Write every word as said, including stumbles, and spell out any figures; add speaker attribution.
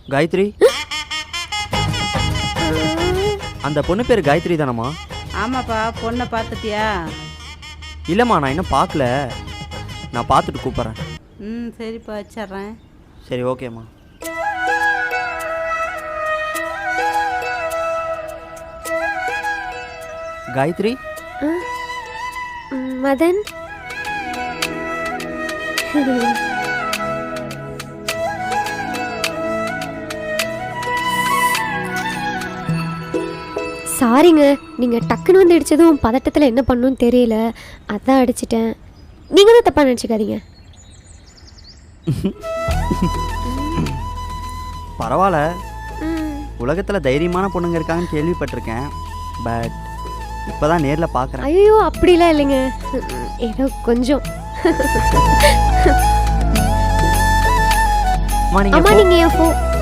Speaker 1: காயத்ரி, அந்த பொண்ணு பேர் காயத்ரி தானம்மா?
Speaker 2: ஆமாப்பா, பொண்ணை பார்த்துட்டியா?
Speaker 1: இல்லைம்மா, நான் இன்னும் பார்க்கல. நான் பார்த்துட்டு கூப்பிட்றேன்.
Speaker 2: ம் சரிப்பா, வச்சிட்றேன்.
Speaker 1: சரி, ஓகேம்மா. காயத்ரி.
Speaker 3: மதன், சாரிங்க, நீங்கள் டக்குன்னு வந்து அடித்ததும் பதட்டத்தில் என்ன பண்ணணும்னு தெரியல, அதான் அடிச்சிட்டேன். நீங்கள் தான் தப்பாக நினச்சிக்காதீங்க.
Speaker 1: பரவாயில்ல, உலகத்தில் தைரியமான பொண்ணுங்க இருக்காங்கன்னு கேள்விப்பட்டிருக்கேன். பட் இப்போ தான் நேரில் பார்க்குறேன்.
Speaker 3: ஐயோ, அப்படிலாம் இல்லைங்க, ஏதோ கொஞ்சம்.
Speaker 1: அம்மா,
Speaker 3: நீங்கள் என் ஃபோன்